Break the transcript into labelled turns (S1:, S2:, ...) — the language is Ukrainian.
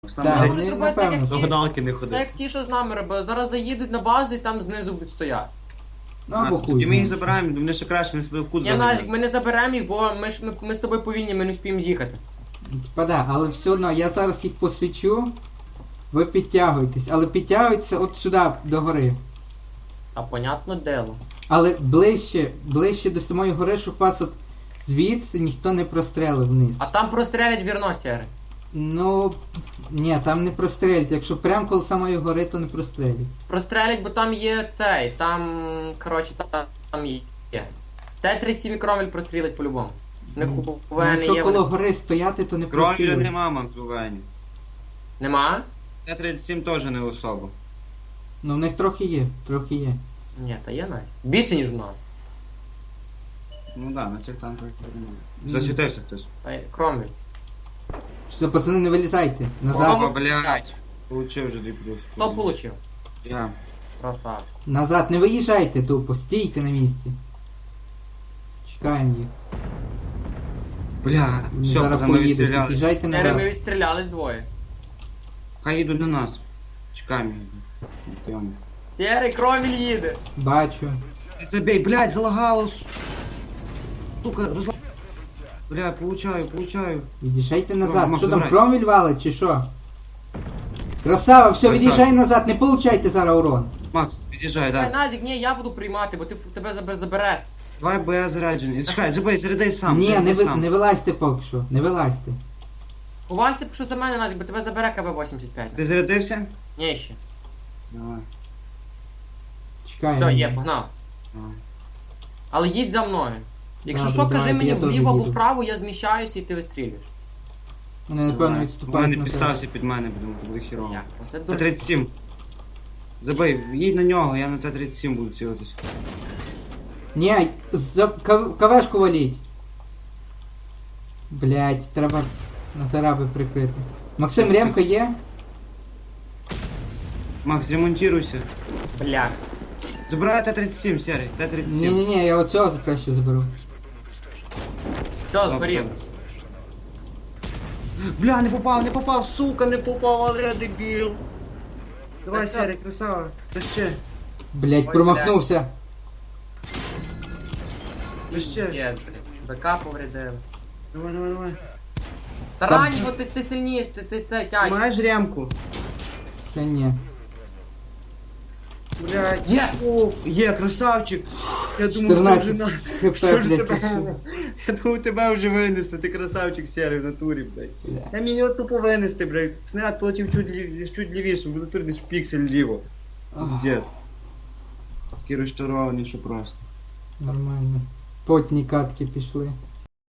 S1: Там
S2: Так,
S1: так,
S2: вони
S3: зробити
S2: напевно.
S3: як
S1: до
S3: ті-
S1: гадалки не
S3: Так
S1: ходи.
S3: як ті, що з нами робили. Зараз заїдуть на базу і там знизу будуть стояти.
S2: Ну або
S1: Тоді
S2: хуй.
S1: ми їх
S2: знає.
S1: забираємо, вони ще краще, вони себе в кут
S3: Я Назік,
S1: заганяють.
S3: ми не заберемо їх, бо ми з тобою повільні, ми не вспіємо з'їхати.
S2: Типа да, але все одно я зараз їх посвічу. Ви підтягуєтесь, але підтягуйтеся от сюди, до гори.
S3: А понятно дело.
S2: Але ближче до самої гори, щоб вас от звідси ніхто не прострелив вниз.
S3: А там прострелять вірно, Сєрий.
S2: Ну, ні, там не прострелять. Якщо прямо коло самої гори, то не прострелять.
S3: Прострелять, бо там є цей, там, коротше, там є. Т-37 Кромвель прострілить по-любому. Не
S2: Ну,
S3: купуває, не
S2: якщо
S3: є.
S2: коло гори стояти, то не
S1: Крові
S2: прострілять.
S1: нема, мам, зувені.
S3: Нема?
S1: Т-37 теж не особо.
S2: Ну в них трохи є, трохи є.
S3: Ні, та є навіть. Більше, ніж у нас.
S1: Ну да, на цих танках немає. Засвітився хтось.
S3: Та є Кромвель.
S2: Все, пацани, не вилізайте. Назад.
S1: Опа, блядь. Получив вже 2 плюс.
S3: Хто получив?
S1: Я.
S3: Красавчик.
S2: Назад, не виїжджайте тупо, стійте на місці. Чекаємо їх.
S1: Бля,
S2: Вони
S1: все,
S2: зараз
S1: пацани
S2: поїдуть,
S1: відстріляли.
S2: під'їжджайте
S3: Сєрий, ми
S2: назад.
S3: відстрілялись двоє.
S1: Хай їдуть до нас. Чекаємо їх.
S3: Сєрий, Кромвель їде.
S2: Бачу.
S1: Забей, блядь, залагало. Сука, розла... Бля, получаю.
S2: Від'їжджайте назад.
S1: Макс,
S2: Що там,
S1: забирай.
S2: Кромвель валить чи що? Красава, все,
S1: Красава.
S2: від'їжджай назад, не получайте зараз урон.
S1: Макс, під'їжджай,
S3: Та
S1: да.
S3: Назік, ні, я буду приймати, бо тебе забере.
S1: Давай, бо я заряджений. Чекай, забей, зарядай сам.
S2: Ні,
S1: зарядай
S2: не,
S1: сам.
S2: не вилазьте поки що, не вилазьте.
S3: Ховайся, що за мене, Назік, бо тебе забере КБ-85.
S1: Ти зарядився?
S3: Ні, ще.
S1: Давай.
S2: Чекаємо.
S3: Все, є, погнав.
S1: Давай.
S3: Але їдь за мною. Якщо
S2: Добре,
S3: що, кажи
S2: давайте,
S3: мені
S2: я теж
S3: вліво або
S2: їду.
S3: вправо, я зміщаюся і ти вистрілюєш.
S2: Вони напевно
S1: Давай.
S2: відступають
S1: Вони
S2: назад.
S1: підстався під мене, будемо буде хірово.
S3: Як? Це дуже...
S1: Т-37. Забий, їдь на нього, я на Т-37 буду цілитись.
S2: Ні, кавешку валіть. Блять, треба на зараби прикрити. Максим, ремка є?
S1: Макс, ремонтируйся.
S3: Блях.
S1: Забирай Т-37, Серий, Т-37.
S2: Ні, я оцього краще заберу.
S3: Все, згорів.
S1: Бля, не попав, сука, не попав, але дебіл. Давай,
S3: Та
S1: Серий, красава. Та ще,
S2: Блять,
S3: Ой,
S2: промахнувся.
S1: та ще.
S3: Є, блядь. БК повредив.
S1: Давай.
S3: Та
S2: Там-
S3: раннього ти сильніш, ти це тяй.
S1: Маєш ремку?
S2: Ще ні.
S1: Блядь.
S3: Yes!
S1: О, є, красавчик. Я думав, що вже
S2: 14
S1: на...
S2: хп,
S1: Що ж
S2: блять,
S1: тебе?
S2: пішов.
S1: Я думав, тебе вже винести, ти красавчик Серий в натурі, блядь.
S2: Бля.
S1: Я мені його тупо винести, блядь. Снаряд полетів чуть лівіше, в натурі десь в піксель ліво. Пиздец. Такий розчарований, що просто.
S2: Нормально. Потні катки пішли.